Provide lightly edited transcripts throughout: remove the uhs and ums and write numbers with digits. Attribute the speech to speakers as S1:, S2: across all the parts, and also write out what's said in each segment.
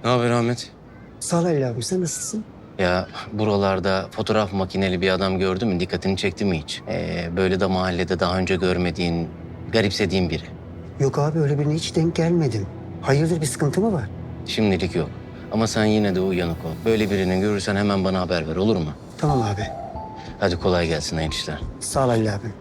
S1: Ne haber Ahmet?
S2: Sağ ol Halil abi, sen nasılsın?
S1: Ya buralarda fotoğraf makineli bir adam gördün mü? Dikkatini çekti mi hiç? Böyle de mahallede daha önce görmediğin, garipsediğin biri.
S2: Yok abi, öyle birine hiç denk gelmedim. Hayırdır, bir sıkıntı mı var?
S1: Şimdilik yok. Ama sen yine de uyanık ol. Böyle birini görürsen hemen bana haber ver, olur mu?
S2: Tamam abi.
S1: Hadi kolay gelsin hayırlı işler.
S2: Sağ ol Halil abi.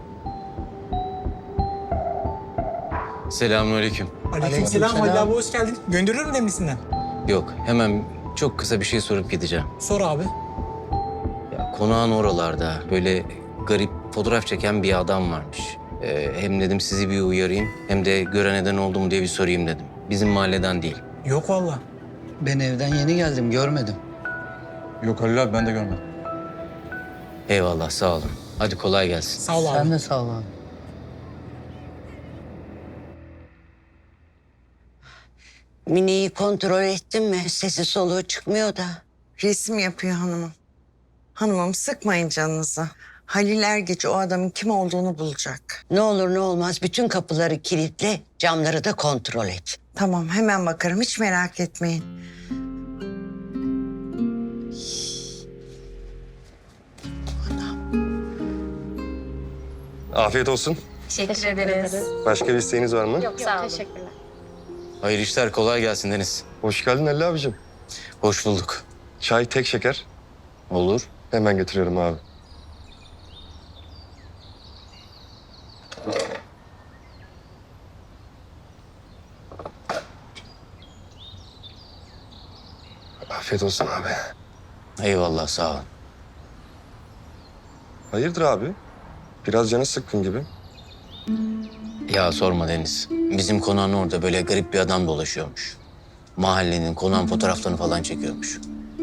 S1: Selamünaleyküm.
S3: Aleykümselam Halil abi, hoş geldin. Gönderiyorum demlisinden.
S1: Yok, hemen çok kısa bir şey sorup gideceğim.
S3: Sor abi.
S1: Ya, konağın oralarda böyle garip fotoğraf çeken bir adam varmış. Hem dedim sizi bir uyarayım, hem de gören neden oldu mu diye bir sorayım dedim. Bizim mahalleden değil.
S3: Yok valla.
S4: Ben evden yeni geldim, görmedim.
S5: Yok Halil abi ben de görmedim.
S1: Eyvallah, sağ olun. Hadi kolay gelsin.
S3: Sağ ol abi.
S4: Sen de sağ ol abi.
S6: Mine'yi kontrol ettin mi? Sesi soluğu çıkmıyor da.
S7: Resim yapıyor hanımım. Hanımım, sıkmayın canınızı. Halil Ergeç o adamın kim olduğunu bulacak.
S6: Ne olur ne olmaz bütün kapıları kilitle, camları da kontrol et.
S7: Tamam, hemen bakarım, hiç merak etmeyin.
S8: Afiyet olsun.
S9: Teşekkür ederiz.
S8: Başka bir isteğiniz var mı?
S9: Yok, sağ olun. Teşekkürler.
S1: Hayırlı işler, kolay gelsin Deniz.
S8: Hoş geldin Halil abicim.
S1: Hoş bulduk.
S8: Çay tek şeker.
S1: Olur.
S8: Hemen getiriyorum abi. Afiyet olsun abi.
S1: Eyvallah, sağ ol.
S8: Hayırdır abi? Biraz canı sıkkın gibi.
S1: Ya sorma Deniz. Bizim konağın orada böyle garip bir adam dolaşıyormuş. Mahallenin, konağın fotoğraflarını falan çekiyormuş.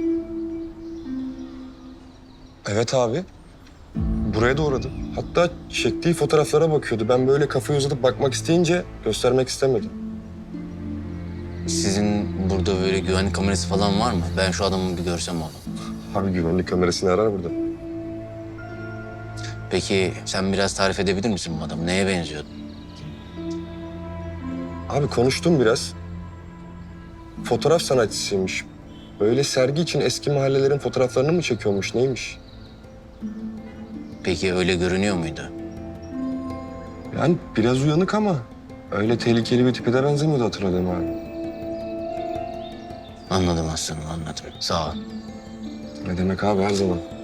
S8: Evet abi. Buraya da uğradı. Hatta çektiği fotoğraflara bakıyordu. Ben böyle kafayı uzatıp bakmak isteyince göstermek istemedim.
S1: Sizin burada böyle güvenlik kamerası falan var mı? Ben şu adamı bir görsem oğlum.
S8: Abi güvenlik kamerasını arar burada.
S1: Peki sen biraz tarif edebilir misin bu adamı? Neye benziyordu?
S8: Abi konuştum biraz. Fotoğraf sanatçısıymış. Böyle sergi için eski mahallelerin fotoğraflarını mı çekiyormuş, neymiş?
S1: Peki öyle görünüyor muydu?
S8: Yani biraz uyanık ama öyle tehlikeli bir tipe de benzemiyordu hatırladığım abi.
S1: Anladım aslanım, anladım. Sağ ol.
S8: Ne demek abi, her zaman.